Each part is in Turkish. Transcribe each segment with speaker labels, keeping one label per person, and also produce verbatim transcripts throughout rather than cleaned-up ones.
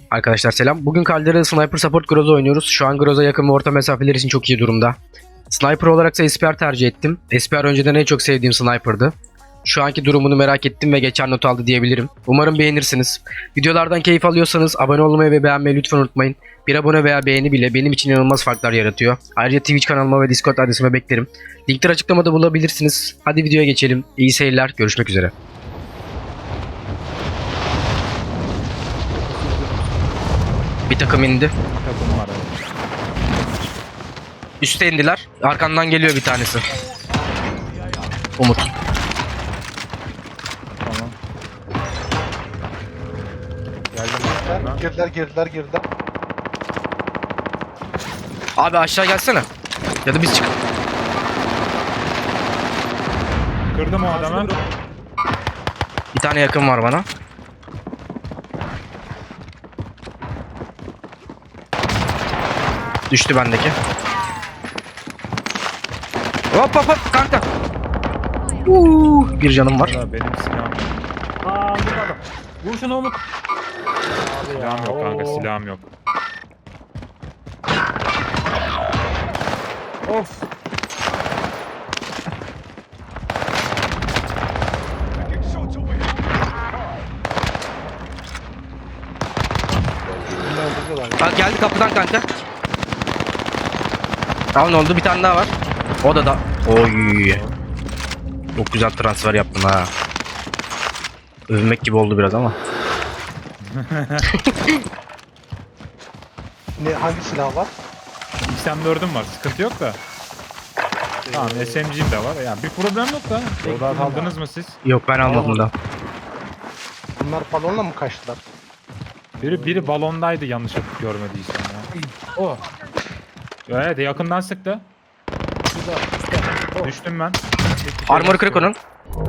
Speaker 1: Arkadaşlar selam. Bugün Caldera'da Sniper Support Groza oynuyoruz. Şu an Groza yakın ve orta mesafeler için çok iyi durumda. Sniper olarak ise S P R tercih ettim. S P R önceden en çok sevdiğim sniper'dı. Şu anki durumunu merak ettim ve geçer not aldı diyebilirim. Umarım beğenirsiniz. Videolardan keyif alıyorsanız abone olmayı ve beğenmeyi lütfen unutmayın. Bir abone veya beğeni bile benim için inanılmaz farklar yaratıyor. Ayrıca Twitch kanalıma ve Discord adresime beklerim. Linkler açıklamada bulabilirsiniz. Hadi videoya geçelim. İyi seyirler. Görüşmek üzere. Bir takım indi.
Speaker 2: Takım var abi.
Speaker 1: Üste indiler. Arkandan geliyor bir tanesi. Umut.
Speaker 2: Tamam. Geldim.
Speaker 3: Girdiler, girdiler, girdiler.
Speaker 1: Abi aşağı gelsene. Ya da biz çık.
Speaker 2: Kırdım o adamı.
Speaker 1: Bir tane yakın var bana. Düştü bendeki. Hop hop hop kanka. Uuu, bir canım var.
Speaker 2: Valla benim silahım yok.
Speaker 4: Aa burada adam. Vur şunu Umut.
Speaker 2: Silahım yok kanka,
Speaker 4: Oo.
Speaker 2: silahım yok.
Speaker 4: Of.
Speaker 1: Bak geldi kapıdan kanka. Tamam ne oldu? Bir tane daha var. O da da. Oy. Çok güzel transfer yaptın ha. Övünmek gibi oldu biraz ama.
Speaker 3: Ne, hangi silah var?
Speaker 2: X M dördüm var, sıkıntı yok da. Tamam, S M G'm de var. Yani bir problem yok da. Orada aldınız mı siz?
Speaker 1: Yok ben almadım da.
Speaker 3: Bunlar balonla mı kaçtılar?
Speaker 2: Biri biri balondaydı yanlış görmediysem ya.
Speaker 4: O.
Speaker 2: Evet, yakından sıktı.
Speaker 4: Güzel. Güzel. O.
Speaker 2: Düştüm ben.
Speaker 1: Armor kırık onun.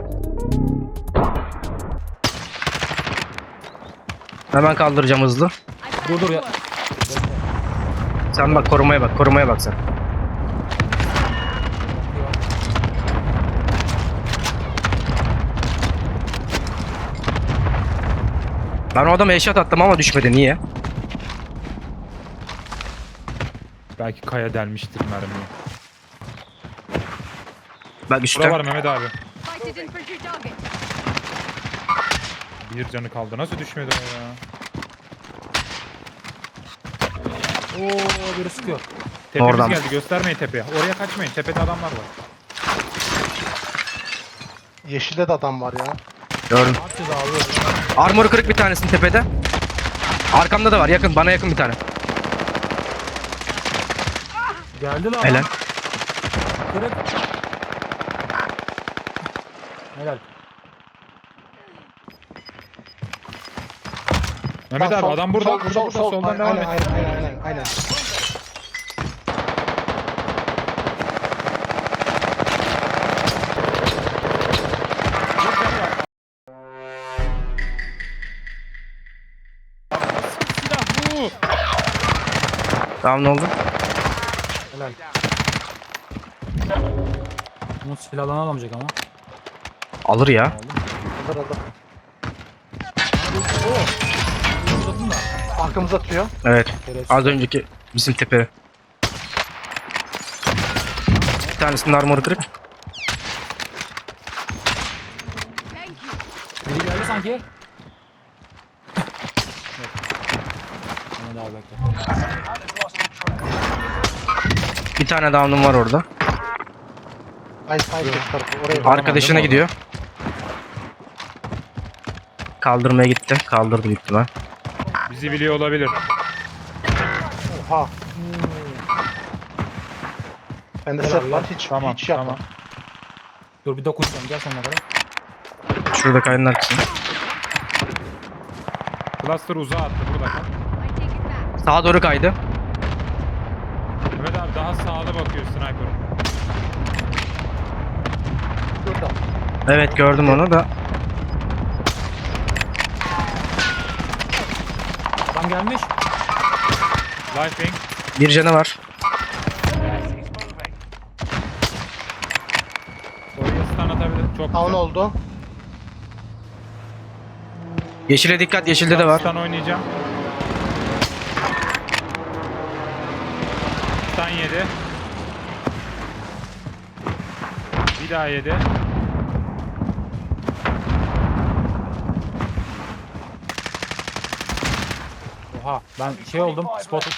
Speaker 1: Hemen kaldıracağım hızlı.
Speaker 4: Dur dur ya.
Speaker 1: Sen bak korumaya bak, korumaya bak sen. Ben o adama headshot attım ama düşmedi. Niye?
Speaker 2: Belki kaya delmiştir mermiyi.
Speaker 1: Bak
Speaker 2: Bura
Speaker 1: üstte.
Speaker 2: var Mehmet abi.
Speaker 5: Sighted infantry target.
Speaker 2: Bir canı kaldı. Nasıl düşmedi o ya?
Speaker 4: Oo biri sıkıyor.
Speaker 2: Tepemiz
Speaker 1: Oradan.
Speaker 2: geldi. Göstermeyin tepeye. Oraya kaçmayın. Tepede adamlar var.
Speaker 3: Yeşilde de adam var ya.
Speaker 1: Gördüm.
Speaker 4: Atacağız abi.
Speaker 1: Armor kırık bir tanesinin tepede. Arkamda da var. Yakın. Bana yakın bir tane.
Speaker 4: Geldi lan.
Speaker 1: Helal.
Speaker 4: Kırık. Helal.
Speaker 2: Mehmet
Speaker 3: Bak,
Speaker 2: abi
Speaker 3: sol-
Speaker 2: adam burada.
Speaker 3: sol-
Speaker 2: burada
Speaker 3: sol-
Speaker 2: burada.
Speaker 3: sol.
Speaker 2: Soldan
Speaker 3: Aynen,
Speaker 2: devam et.
Speaker 3: aynen, aynen, aynen, aynen.
Speaker 2: Silah bu.
Speaker 1: Tamam ne oldu?
Speaker 4: Helal. Umut silahlarını alamayacak ama.
Speaker 1: Alır ya.
Speaker 3: Alır alır.
Speaker 4: Uzatın da.
Speaker 3: Arkamıza atıyor.
Speaker 1: Evet.
Speaker 4: Şerefsiz.
Speaker 1: Az önceki bizim tepe. Bir tanesinin armoru kırık.
Speaker 5: Thank you.
Speaker 4: Biri geldi sanki. Yok. Hemen daha bekle.
Speaker 1: Bir tane down'um var orada.
Speaker 3: Ay ay tarafı oraya.
Speaker 1: Arkadaşına
Speaker 2: değil mi
Speaker 1: gidiyor. Kaldırmaya gitti. Kaldırdı büyük ihtimal.
Speaker 2: Bizi biliyor olabilir.
Speaker 3: Oha. Bende
Speaker 4: Helal
Speaker 3: set
Speaker 4: lan.
Speaker 3: var. Hiç
Speaker 2: Tamam
Speaker 3: hiç yapma.
Speaker 2: tamam.
Speaker 4: Dur bir dokunacağım. Gel sonuna kadar.
Speaker 1: Şurada kayanın arkasında.
Speaker 2: Cluster uzağa attı burada kal.
Speaker 5: I take it back.
Speaker 1: Sağa doğru kaydı.
Speaker 2: Mehmet abi daha sağda bakıyor sniper.
Speaker 3: Şurada.
Speaker 1: Evet gördüm onu da.
Speaker 4: Adam gelmiş.
Speaker 2: Lifing.
Speaker 1: Bir canı var.
Speaker 2: Oraya stun atabilir. Çok
Speaker 3: Down
Speaker 2: güzel.
Speaker 3: oldu.
Speaker 1: Yeşile dikkat, yeşilde de var.
Speaker 2: Stun oynayacağım. Sağdan yedi. Bir daha yedi.
Speaker 4: Oha ben şey oldum. Spotted.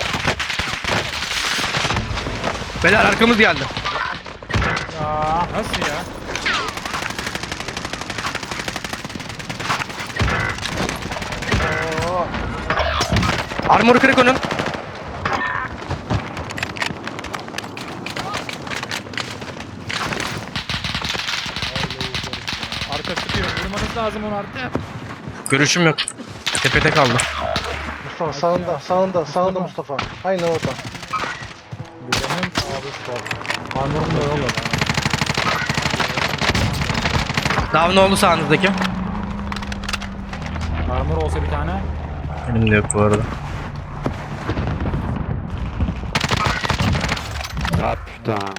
Speaker 1: Beyler arkamız geldi.
Speaker 4: Ya.
Speaker 2: Nasıl ya?
Speaker 3: Oo.
Speaker 1: Armor kırık onun.
Speaker 2: Arka sıkıyor. Vurmanız lazım onu artık.
Speaker 1: Görüşüm yok. Tepede kaldı.
Speaker 3: Mustafa sağında, sağında, sağında Mustafa. Aynen orada.
Speaker 4: Benim abi spot. Armorum da yok.
Speaker 1: Daha ne oldu sağınızdaki?
Speaker 4: Armor olsa bir tane.
Speaker 1: Benim de yok bu arada.
Speaker 6: Ah putain.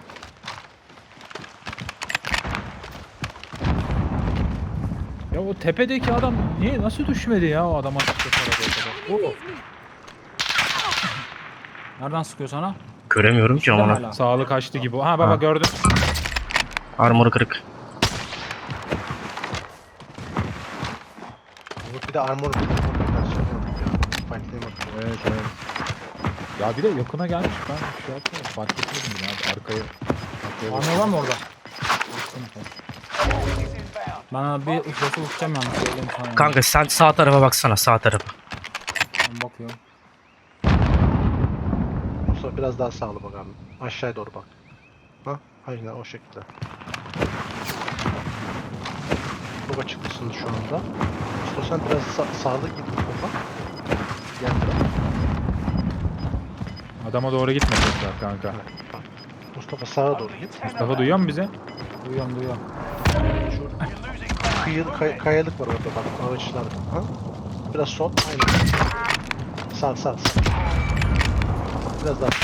Speaker 2: Ya o tepedeki adam niye nasıl düşmedi ya o adama sıkıyor arada o kadar?
Speaker 4: Oo. Nereden sıkıyor sana?
Speaker 1: Göremiyorum ki
Speaker 4: Hala.
Speaker 1: onu.
Speaker 2: Sağlık kaçtı gibi. Ha baba
Speaker 1: Ha.
Speaker 2: gördüm.
Speaker 1: Armor kırık.
Speaker 3: Umut bir de armor bir
Speaker 2: Evet evet. Ya bir de yakına gelmiş ben şey yapmadım. Fark etmedim ya arkaya. arkaya bak-
Speaker 4: Armor var mı orada? Ben bir uçması uçacağım yalnız söyleyeyim sana. yani.
Speaker 1: Kanka sen sağ tarafa baksana, sağ tarafa.
Speaker 4: Ben bakıyorum.
Speaker 3: Mustafa biraz daha sağlı bak abi. Aşağıya doğru bak. Ha? Aynen o şekilde. Çok açıklısın şu anda. Mustafa sen biraz sa sağlı git Mustafa. Gel biraz.
Speaker 2: Adama doğru gitme tekrar kanka.
Speaker 3: Evet, bak. Mustafa sağa doğru git.
Speaker 2: Mustafa duyuyor mu bizi?
Speaker 4: Duyuyorum duyuyorum.
Speaker 3: Şu kıyı, kay- kayalık var orada bak ağaçlar. Ha? Biraz sol. Aynen. Sağ sağ sağ. Biraz daha.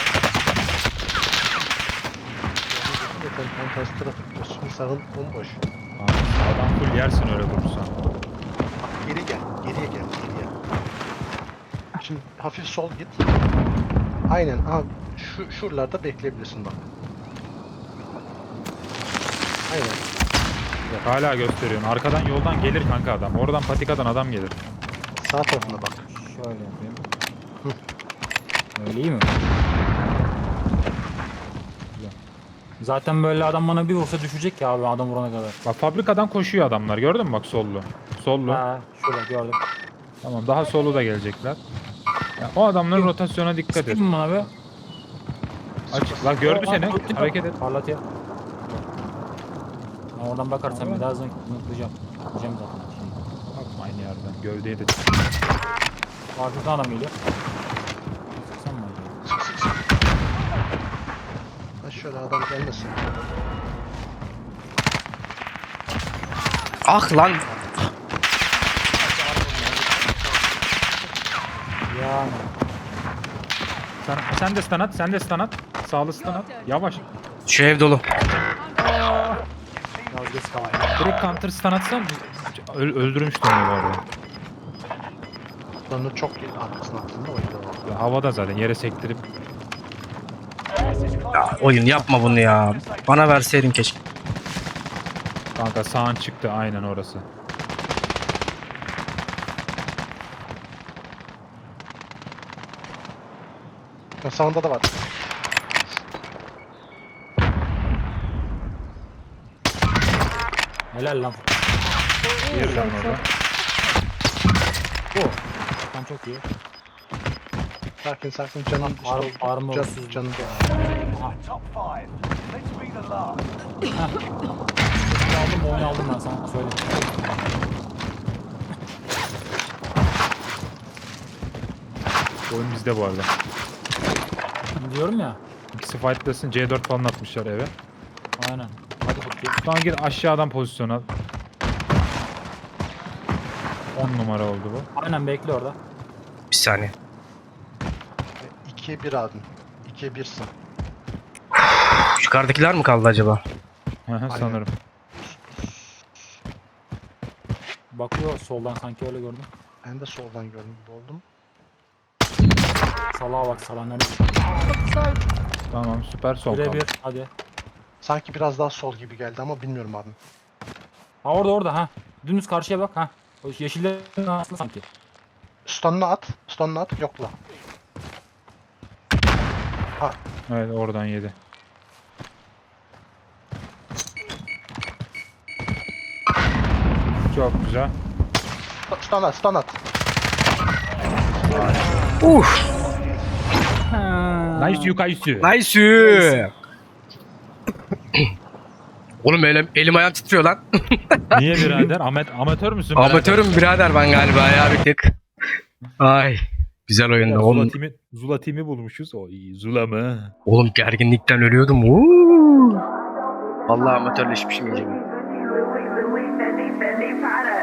Speaker 3: Zaten tam tersi tarafı gidiyorsun. Sağın bomboş.
Speaker 2: Abi, sağdan full yersin öyle vurursan.
Speaker 3: Bak geri gel. Geriye gel. Geriye. Şimdi hafif sol git. Aynen. Aha, şu şuralarda bekleyebilirsin bak. Aynen.
Speaker 2: Hala gösteriyorsun. Arkadan yoldan gelir kanka adam. Oradan patikadan adam gelir.
Speaker 3: Sağ tarafına bak.
Speaker 4: Şöyle yapayım. Öyle iyi mi? Güzel. Zaten böyle adam bana bir vursa düşecek ya abi adam vurana kadar.
Speaker 2: Bak fabrikadan koşuyor adamlar. Gördün mü bak sollu. Sollu.
Speaker 4: Ha, şurada gördüm.
Speaker 2: Tamam daha sollu da gelecekler. Ya, o adamların rotasyona dikkat et.
Speaker 4: Sıkayım mı bana be?
Speaker 2: Aç. Lan gördü
Speaker 4: Aa,
Speaker 2: seni.
Speaker 4: dur, dur.
Speaker 2: Hareket et.
Speaker 4: Parlat ya. Ben oradan bakarsan bir daha zınk mutlayacağım. Diyeceğim zaten.
Speaker 2: Bakma aynı yerden. Gövdeye de
Speaker 4: Arkadan adam geliyor. Sıksam mı acaba?
Speaker 3: Sık sık sık. Ha şöyle adam gelmesin.
Speaker 1: Ah lan.
Speaker 4: Yani.
Speaker 2: Sen, sen de stun at. Sen de stun at. Sağlı stun at. Yavaş.
Speaker 1: Şu ev dolu.
Speaker 4: Biraz geç kaldım.
Speaker 2: Direkt counter stun atsan öl öldürmüştüm onu bu arada.
Speaker 3: Onu çok arkasına attın da o yüzden oldu.
Speaker 2: Ya, havada zaten yere sektirip
Speaker 1: Ya, oyun yapma bunu ya. Bana verseydin keşke.
Speaker 2: kanka sağın çıktı aynen orası.
Speaker 3: Ya sağında da var.
Speaker 4: Helal lan.
Speaker 2: Diğeri de orada.
Speaker 4: Bu. Tam çok iyi.
Speaker 3: Sakin sakin canın
Speaker 4: Ar
Speaker 3: işte,
Speaker 4: armor
Speaker 3: can,
Speaker 4: olsuz.
Speaker 3: canın.
Speaker 4: Aldım oyunu aldım ben sana söyleyeyim.
Speaker 2: Oyun bizde bu arada.
Speaker 4: Diyorum ya.
Speaker 2: İkisi fightlasın C dört falan atmışlar eve.
Speaker 4: Aynen. Hadi bakayım.
Speaker 2: Şu an gir aşağıdan pozisyon al. on numara oldu bu.
Speaker 4: Aynen bekle orada.
Speaker 1: Bir saniye.
Speaker 3: ikiye bir abim. ikiye birsin.
Speaker 1: Yukarıdakiler mi kaldı acaba?
Speaker 2: Hı hı, sanırım.
Speaker 4: Bakıyor soldan sanki öyle gördüm.
Speaker 3: Ben de soldan gördüm. Oldum.
Speaker 4: Salağa bak salağa nerede?
Speaker 2: Tamam süper sol kaldı.
Speaker 4: Birebir hadi.
Speaker 3: Sanki biraz daha sol gibi geldi ama bilmiyorum abi.
Speaker 4: Ha orada orada ha. Dümdüz karşıya bak ha. O yeşillerin arasında sanki.
Speaker 3: Stun'unu at. Stun'unu at. Yokla.
Speaker 2: Evet oradan yedi. Çok güzel.
Speaker 3: Stun at. Stun at.
Speaker 1: Uf.
Speaker 2: Nice yukayüsü.
Speaker 1: Nice. Oğlum elim, elim ayağım titriyor lan.
Speaker 2: Niye birader? Amet, amatör müsün birader?
Speaker 1: Amatörüm birader ben galiba ya bir tık. Ay. Güzel oyundu.
Speaker 2: Zula
Speaker 1: Oğlum,
Speaker 2: timi, Zula timi bulmuşuz. O iyi. Zula mı?
Speaker 1: oğlum gerginlikten ölüyordum. Uuu. Vallahi amatörleşmişim iyice.